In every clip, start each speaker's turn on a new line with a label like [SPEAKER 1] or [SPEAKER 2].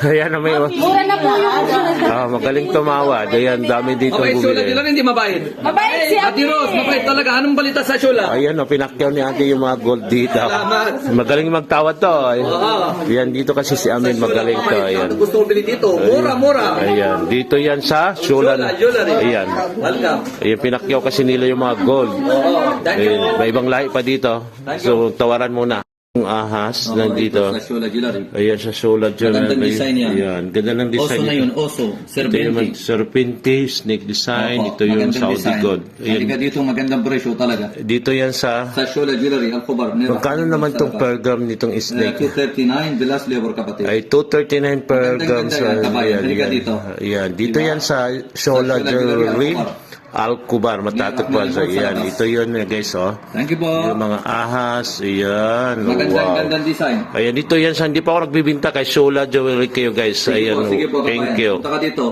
[SPEAKER 1] Ayan, may...
[SPEAKER 2] Mura na po yung
[SPEAKER 1] magaling tumawad. Ayan, dami dito
[SPEAKER 3] Okay, Shula
[SPEAKER 1] bumili.
[SPEAKER 3] Jewelry hindi mabait.
[SPEAKER 2] Mabait si
[SPEAKER 3] Ate Rose, mabait talaga. Anong balita sa Shula?
[SPEAKER 1] Ayan, pinakyaw ni ate yung mga gold dito.
[SPEAKER 3] Salamat.
[SPEAKER 1] Magaling magtawad to. Ayan, dito kasi si Amin magaling to. Ayan.
[SPEAKER 3] Ano gusto mong bili dito? Mura, mura.
[SPEAKER 1] Ayan, dito yan sa Shula.
[SPEAKER 3] Jewelry.
[SPEAKER 1] Ayan.
[SPEAKER 3] Welcome.
[SPEAKER 1] Ayan, pinakyaw kasi nila yung mga gold.
[SPEAKER 3] Thank you.
[SPEAKER 1] Ayan, may ibang lahi pa dito. So, tawaran muna. Yung ahas nandito.
[SPEAKER 3] Sa Shula Jewelry.
[SPEAKER 1] Ayan, sa Shula Jewelry.
[SPEAKER 3] Magandang design yan.
[SPEAKER 1] Ayan, ganda ng design.
[SPEAKER 3] Oso na yun, oso.
[SPEAKER 1] Ito yung serpente, snake design. Ito yung Saudi gold.
[SPEAKER 3] Halika
[SPEAKER 1] Ayan.
[SPEAKER 3] dito, magandang presyo talaga.
[SPEAKER 1] Dito yan sa...
[SPEAKER 3] Sa Shula Jewelry, Al-Kubar.
[SPEAKER 1] Magkano naman itong per gram nitong snake?
[SPEAKER 3] 239, Bilas Labor kapatid.
[SPEAKER 1] Ay 239 per gram
[SPEAKER 3] Magandang-ganda
[SPEAKER 1] sa
[SPEAKER 3] yan, kabayan.
[SPEAKER 1] ayan,
[SPEAKER 3] Halika
[SPEAKER 1] ayan.
[SPEAKER 3] dito.
[SPEAKER 1] Ayan, dito yan sa Shola Jewelry Al-Kubar, matatagpuan sa iyan. Ito yun guys, oh.
[SPEAKER 3] Thank you po.
[SPEAKER 1] Yung mga ahas, ayan. Wow.
[SPEAKER 3] Magandang design.
[SPEAKER 1] Ayan, dito yan sa, hindi pa ako nagbibinta kay Shola Jewelry kayo guys. Ayan,
[SPEAKER 3] Sige po,
[SPEAKER 1] thank you.
[SPEAKER 3] Punta ka dito.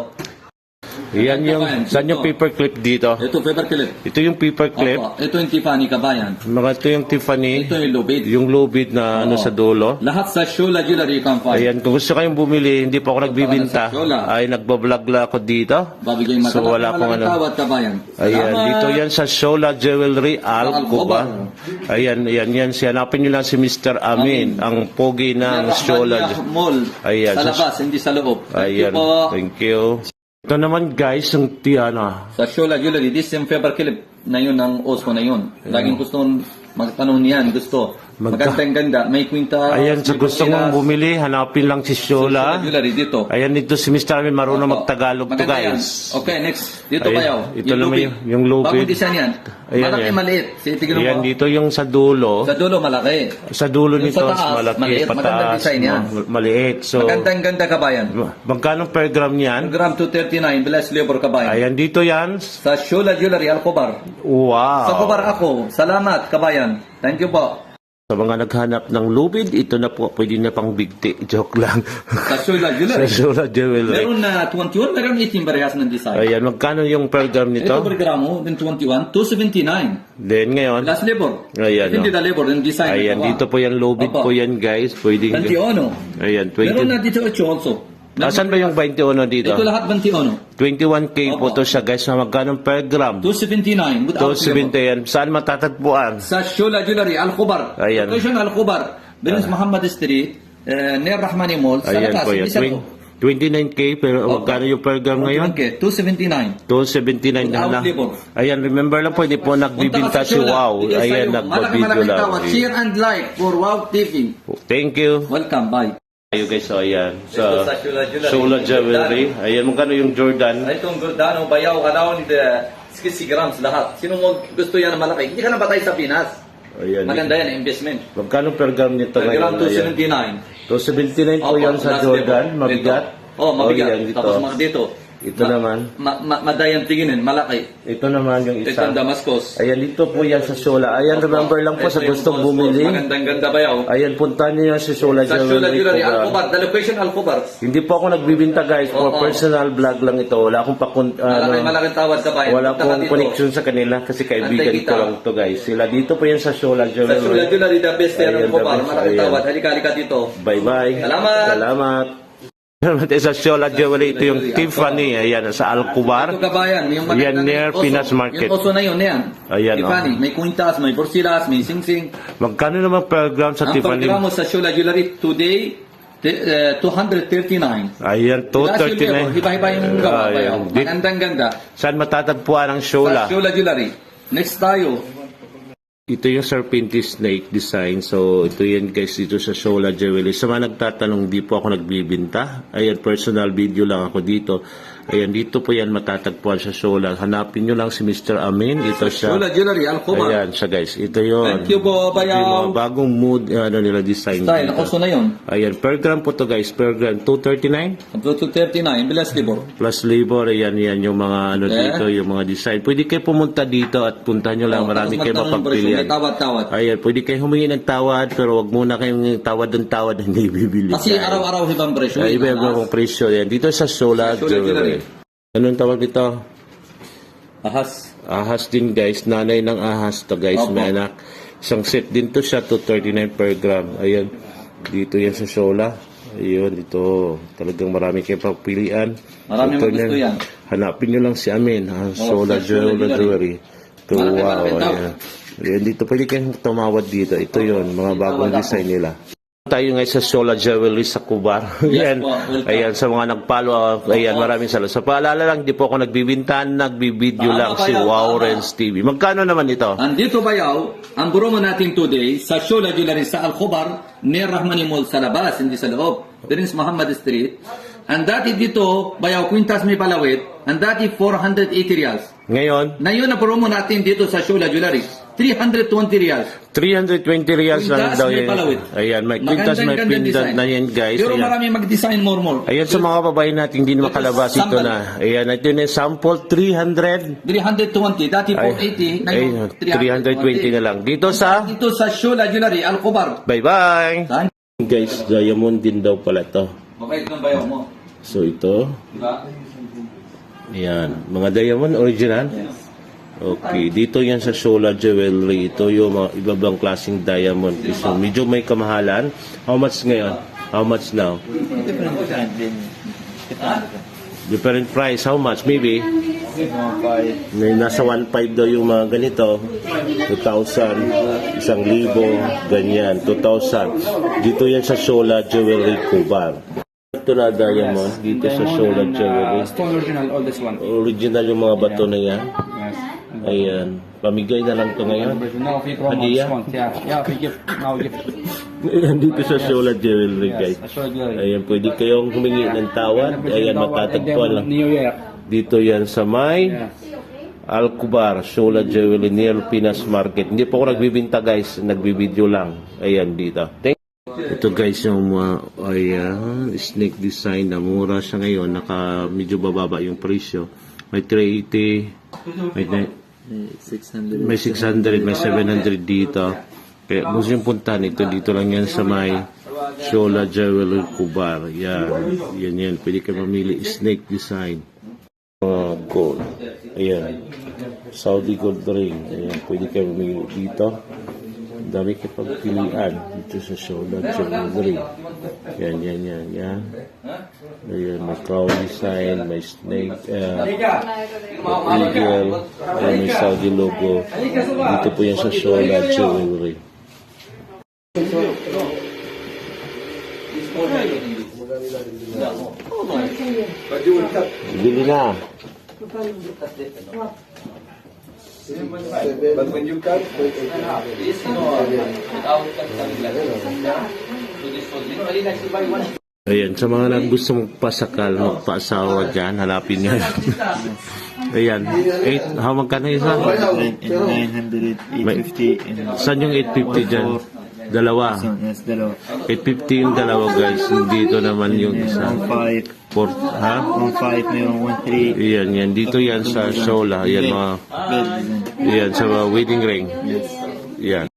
[SPEAKER 1] Ayan yung, saan yung paperclip dito?
[SPEAKER 3] Ito, paperclip.
[SPEAKER 1] Ito yung paperclip.
[SPEAKER 3] Opo. Ito yung Tiffany, kabayan.
[SPEAKER 1] Mga ito yung Tiffany.
[SPEAKER 3] Ito yung lubid.
[SPEAKER 1] Yung lubid na ano sa dulo.
[SPEAKER 3] Lahat sa Shula Jewelry you can find.
[SPEAKER 1] Ayan, kung gusto kayong bumili, hindi pa ako nagbibinta.
[SPEAKER 3] Shola.
[SPEAKER 1] Ay, nagbablog lang ako dito.
[SPEAKER 3] Babigay
[SPEAKER 1] So, wala akong ano.
[SPEAKER 3] tawad, kabayan.
[SPEAKER 1] Ayan,
[SPEAKER 3] Salamat.
[SPEAKER 1] dito yan sa Shola Jewelry Al-Kubar. Ayan, yan. Hanapin nyo lang si Mr. Amin, ang pogi ng Shola.
[SPEAKER 3] Mall.
[SPEAKER 1] Ayan,
[SPEAKER 3] Sa
[SPEAKER 1] sa-
[SPEAKER 3] labas, hindi sa loob. Thank you
[SPEAKER 1] Ayan,
[SPEAKER 3] po.
[SPEAKER 1] thank you. Ito naman guys, ang Tiana.
[SPEAKER 3] Sa Shula Jewelry, this yung paperclip na yun ng Osco na yun. Laging gusto magtanong niyan, gusto. Magandang-ganda, may kwinta.
[SPEAKER 1] Ayan, sa gusto mong bumili, hanapin lang si Shola.
[SPEAKER 3] Jewelry dito.
[SPEAKER 1] Ayan, dito si Mr. Amin, marunong magtagalog to
[SPEAKER 3] Maganda yan.
[SPEAKER 1] guys.
[SPEAKER 3] Okay, next. Dito
[SPEAKER 1] Ayan,
[SPEAKER 3] kayo.
[SPEAKER 1] ito naman yung lubid.
[SPEAKER 3] Bagong design yan.
[SPEAKER 1] Ayan,
[SPEAKER 3] Malaki,
[SPEAKER 1] yan.
[SPEAKER 3] maliit. Sige, tignan
[SPEAKER 1] Ayan,
[SPEAKER 3] mo.
[SPEAKER 1] dito yung sa dulo.
[SPEAKER 3] Sa dulo, malaki.
[SPEAKER 1] Sa dulo
[SPEAKER 3] Yung
[SPEAKER 1] nito,
[SPEAKER 3] sa taas,
[SPEAKER 1] malaki,
[SPEAKER 3] maliit. Magandang
[SPEAKER 1] pataas,
[SPEAKER 3] design yan.
[SPEAKER 1] maliit. So,
[SPEAKER 3] Magandang-ganda kabayan.
[SPEAKER 1] magkano per gram yan?
[SPEAKER 3] Gram 239, Bless Labor kabayan.
[SPEAKER 1] Ayan, dito yan.
[SPEAKER 3] Sa Shula Jewelry, Al-Kubar.
[SPEAKER 1] Wow.
[SPEAKER 3] Sa Kubar ako. Salamat, kabayan. Thank you po.
[SPEAKER 1] Sa mga naghanap ng lubid, ito na po, pwede na pang bigti. Joke lang.
[SPEAKER 3] Sa Shula
[SPEAKER 1] Sa
[SPEAKER 3] Jewelry.
[SPEAKER 1] Shola Jewelry.
[SPEAKER 3] Meron na 21, meron 18 parehas ng design.
[SPEAKER 1] Ayan, magkano yung per gram
[SPEAKER 3] Ito
[SPEAKER 1] nito?
[SPEAKER 3] per gramo, then 21, 279.
[SPEAKER 1] Then ngayon,
[SPEAKER 3] Last labor.
[SPEAKER 1] Ayan,
[SPEAKER 3] Hindi
[SPEAKER 1] no.
[SPEAKER 3] na labor, yung design.
[SPEAKER 1] ayan, dito po yan, lubid
[SPEAKER 3] Opo.
[SPEAKER 1] po yan guys. Pwede.
[SPEAKER 3] 21.
[SPEAKER 1] Ayan,
[SPEAKER 3] Meron na
[SPEAKER 1] 20.
[SPEAKER 3] dito 8 also.
[SPEAKER 1] Asan ba yung 21 dito?
[SPEAKER 3] Ito lahat 21.
[SPEAKER 1] 21K po
[SPEAKER 3] Opo.
[SPEAKER 1] to siya guys, na magkano per gram?
[SPEAKER 3] 279 without
[SPEAKER 1] 270 yan. Saan matatagpuan?
[SPEAKER 3] sa Shula Jewelry, Al-Kubar.
[SPEAKER 1] Ayan.
[SPEAKER 3] Location Al-Kubar. Bilis Muhammad Street, near Rahmani Mall. Sa
[SPEAKER 1] Ayan
[SPEAKER 3] labas,
[SPEAKER 1] po yan.
[SPEAKER 3] hindi sa loob.
[SPEAKER 1] 29K, pero magkano yung per gram ngayon?
[SPEAKER 3] Okay, 279.
[SPEAKER 1] 279 na
[SPEAKER 3] Without
[SPEAKER 1] lang.
[SPEAKER 3] labor.
[SPEAKER 1] Ayan, remember lang po, hindi po nagbibinta si Wow. Ayan, nagpa-video lang.
[SPEAKER 3] Share and like for Wow TV.
[SPEAKER 1] Thank you.
[SPEAKER 3] Welcome, bye.
[SPEAKER 1] Ayo guys, so ayan.
[SPEAKER 3] Ito
[SPEAKER 1] Sa
[SPEAKER 3] sa Shula Jewelry.
[SPEAKER 1] Shola Jewelry. Ayan, magkano yung Jordan?
[SPEAKER 3] Itong Giordano, bayaw, around 60 grams lahat. Sino mo gusto yan na malaki? Hindi ka na batay sa Pinas.
[SPEAKER 1] Ayan.
[SPEAKER 3] Maganda yan, investment.
[SPEAKER 1] Magkano per gram nito
[SPEAKER 3] Per gram
[SPEAKER 1] ngayon?
[SPEAKER 3] 279.
[SPEAKER 1] 279 po yan sa
[SPEAKER 3] last
[SPEAKER 1] Jordan.
[SPEAKER 3] level.
[SPEAKER 1] Mabigat.
[SPEAKER 3] Ito. Oh, mabigat.
[SPEAKER 1] yan, dito.
[SPEAKER 3] Tapos mga dito.
[SPEAKER 1] Ito naman.
[SPEAKER 3] Madayang tinginin, malaki.
[SPEAKER 1] Ito naman yung
[SPEAKER 3] Ito
[SPEAKER 1] isa.
[SPEAKER 3] ang Damascus.
[SPEAKER 1] Ayan, dito po yan sa Shola. Ayan, remember lang po sa
[SPEAKER 3] Ito yung
[SPEAKER 1] gustong
[SPEAKER 3] Damascus.
[SPEAKER 1] bumili.
[SPEAKER 3] Magandang ganda bayaw.
[SPEAKER 1] Ayan, puntahan niyo yan sa Shola
[SPEAKER 3] Sa Shula
[SPEAKER 1] Jewelry.
[SPEAKER 3] Jewelry,
[SPEAKER 1] Kubar.
[SPEAKER 3] Al-Kubar. The location, Al-Kubar.
[SPEAKER 1] Hindi po ako nagbibinta guys. For
[SPEAKER 3] Oo.
[SPEAKER 1] personal vlog lang ito. Wala akong
[SPEAKER 3] Malaking tawad sa bayan.
[SPEAKER 1] wala
[SPEAKER 3] Punta ka
[SPEAKER 1] akong
[SPEAKER 3] dito.
[SPEAKER 1] connection sa kanila kasi kaibigan
[SPEAKER 3] Antay
[SPEAKER 1] ko
[SPEAKER 3] kita.
[SPEAKER 1] lang to guys. Sila dito po yan sa Shola
[SPEAKER 3] Sa Shula
[SPEAKER 1] Jewelry.
[SPEAKER 3] Jewelry, the best yan,
[SPEAKER 1] Ayan,
[SPEAKER 3] Al-Kubar.
[SPEAKER 1] the best.
[SPEAKER 3] Malaking
[SPEAKER 1] Ayan.
[SPEAKER 3] tawad. Halika dito.
[SPEAKER 1] Bye-bye.
[SPEAKER 3] Salamat.
[SPEAKER 1] Salamat. Sa Shola Jewelry, ito yung Tiffany. Ayan, sa Al-Kubar.
[SPEAKER 3] Ito kabayan, yung
[SPEAKER 1] Yan, near
[SPEAKER 3] oso.
[SPEAKER 1] Pinas Market.
[SPEAKER 3] Yung oso na yun, yan.
[SPEAKER 1] Ayan,
[SPEAKER 3] Tiffany, may kwintas, may porsilas, may singsing.
[SPEAKER 1] Magkano naman per gram sa
[SPEAKER 3] Ang
[SPEAKER 1] Tiffany?
[SPEAKER 3] programa sa Shula Jewelry today, 239.
[SPEAKER 1] Ayan, 239.
[SPEAKER 3] Iba-iba yung gawa
[SPEAKER 1] Ayan.
[SPEAKER 3] bayaw. Magandang ganda.
[SPEAKER 1] Saan matatagpuan ang Shola?
[SPEAKER 3] Sa Shula Jewelry. Next tayo.
[SPEAKER 1] Ito yung serpente snake design. So, ito yan guys dito sa Shola Jewelry. Sa mga nagtatanong, di po ako nagbibinta. Ayan, personal video lang ako dito. Ayan, dito po yan matatagpuan sa Shola. Hanapin nyo lang si Mr. Amin. Ito siya.
[SPEAKER 3] Shula Jewelry, Al-Kubar.
[SPEAKER 1] Ayan siya guys. Ito yun.
[SPEAKER 3] Thank you po,
[SPEAKER 1] Ito yung mga
[SPEAKER 3] bayaw.
[SPEAKER 1] bagong mood, nila design.
[SPEAKER 3] Style,
[SPEAKER 1] dito.
[SPEAKER 3] oso na yun.
[SPEAKER 1] Ayan, per gram po to guys. Per gram, 239
[SPEAKER 3] Up to 239, bilas libor.
[SPEAKER 1] plus labor. Ayan, yan yung mga dito, yung mga design. Pwede kayo pumunta dito at puntahan nyo lang. Marami kayo mapagpilian.
[SPEAKER 3] May tawad-tawad.
[SPEAKER 1] Ayan, pwede kayo humingi ng tawad, pero wag muna kayong tawad ng tawad na hindi bibili.
[SPEAKER 3] Kasi araw-araw ibang presyo.
[SPEAKER 1] Ay, iba-iba kong presyo yan. Dito sa Shola
[SPEAKER 3] Sa Shola
[SPEAKER 1] Jewelry.
[SPEAKER 3] Jewelry.
[SPEAKER 1] Anong tawag dito?
[SPEAKER 3] Ahas.
[SPEAKER 1] Ahas din guys. Nanay ng ahas to guys.
[SPEAKER 3] Opo.
[SPEAKER 1] May anak. Isang set din to siya. 239 per gram. Ayan. Dito yan sa Shola. Ayun, ito. Talagang marami kayong papilian.
[SPEAKER 3] Marami
[SPEAKER 1] Ito
[SPEAKER 3] gusto yan.
[SPEAKER 1] Hanapin nyo lang si Amin. Solar Jewelry. Ito,
[SPEAKER 3] Malaki,
[SPEAKER 1] wow.
[SPEAKER 3] malaki daw.
[SPEAKER 1] Ayan. Ayan, dito pwede kayong tumawad dito. Ito yon mga bagong design nila. Tayo ngayon sa Solar Jewelry sa Kubar.
[SPEAKER 3] Yes
[SPEAKER 1] Ayan.
[SPEAKER 3] po, welcome.
[SPEAKER 1] Ayan, sa mga nagpalo. Ayan, maraming salamat. Sa paalala lang, di po ako nagbibintan, nagbibideo lang si Wow Renz TV. Magkano naman ito?
[SPEAKER 3] Andito bayaw, ang promo natin today sa Shola Jewelry sa Al-Khobar, ni Rahmani Mall sa labas, hindi sa loob. Prince Muhammad Street. Ang dati dito, bayaw, Quintas May Palawit, ang dati 480 reals.
[SPEAKER 1] Ngayon,
[SPEAKER 3] Ngayon na promo natin dito sa Shola Jewelry, 320 reals.
[SPEAKER 1] 320 reals lang
[SPEAKER 3] Quintas
[SPEAKER 1] daw
[SPEAKER 3] may
[SPEAKER 1] yan.
[SPEAKER 3] palawit.
[SPEAKER 1] Ayan, may quintas, may
[SPEAKER 3] Magandang-ganda
[SPEAKER 1] pindat
[SPEAKER 3] design.
[SPEAKER 1] na yan, guys.
[SPEAKER 3] Pero
[SPEAKER 1] Ayan.
[SPEAKER 3] marami mag-design more.
[SPEAKER 1] Ayan sa mga babae natin, hindi na makalabas ito
[SPEAKER 3] sample.
[SPEAKER 1] na. Ayan, ito na yung sample, 300.
[SPEAKER 3] 320, dati 480, ngayon
[SPEAKER 1] Ayun, 320 na lang. Dito sa,
[SPEAKER 3] Dito sa Shola Jewelry, Al-Khobar.
[SPEAKER 1] bye-bye.
[SPEAKER 3] Saan?
[SPEAKER 1] Guys, diamond din daw pala to.
[SPEAKER 3] Mabait ng bayaw mo.
[SPEAKER 1] So ito,
[SPEAKER 3] Diba?
[SPEAKER 1] ayan, mga diamond original. Okay, dito yan sa Solar Jewelry. Ito yung mga ibabang klaseng diamond. So, medyo may kamahalan. How much ngayon? How much now? Different price. How much? Maybe? Nasa 1.5 daw yung mga ganito. 2,000, 1,000, ganyan. 2,000. Dito yan sa Solar Jewelry Kubar. Ito na diamond dito sa Solar Jewelry.
[SPEAKER 4] Stone original, oldest one.
[SPEAKER 1] Original yung mga bato na yan.
[SPEAKER 4] Yes.
[SPEAKER 1] Ayan. Pamigay na lang to ngayon.
[SPEAKER 4] Now, if you promo
[SPEAKER 1] Hadiah?
[SPEAKER 4] discount, yeah, we give, now gift.
[SPEAKER 1] Ayan, dito sa Solar Jewelry, guys.
[SPEAKER 4] Yes, Solar Jewelry.
[SPEAKER 1] Ayan, pwede kayong humingi ng tawad. Ayan, matatagpuan lang.
[SPEAKER 4] New Year.
[SPEAKER 1] Dito yan sa may
[SPEAKER 4] Yes.
[SPEAKER 1] Al-Kubar, Solar Jewelry, near Pinas Market. Hindi po ako nagbibinta, guys. Nagbibideo lang. Ayan, dito. Ito, guys, yung ayan, snake design na mura siya ngayon. Medyo bababa yung presyo. May 380, may 600, may 700 dito. Kaya gusto yung puntahan ito, dito lang yan sa may Solar Jewelry Kubar. Yan. Pwede ka mamili snake design. Gold. Ayan. Saudi gold ring. Ayan. Pwede ka mamili dito. Ang dami ka pagpilian dito sa Solar Jewelry. Yan. Ayan. May crown design, may snake, eagle, ayan, may Saudi logo. Dito po yan sa Solar Jewelry. Bili na. Ayan, sa mga gusto magpasakal, magpaasawa dyan, halapin nyo. Ayan, 8, magkano isa?
[SPEAKER 5] 900, 850, and
[SPEAKER 1] Saan yung 850 dyan? Dalawa.
[SPEAKER 5] yes, dalawa.
[SPEAKER 1] 850 yung dalawa, guys. Dito naman yung isa.
[SPEAKER 5] 1.5,
[SPEAKER 1] Ha?
[SPEAKER 5] 1.5, mayroong 1.3,
[SPEAKER 1] Yan. Dito yan sa Sola. Yan, mga,
[SPEAKER 5] bed design.
[SPEAKER 1] yan, sa mga wedding ring.
[SPEAKER 5] Yes.
[SPEAKER 1] Yan.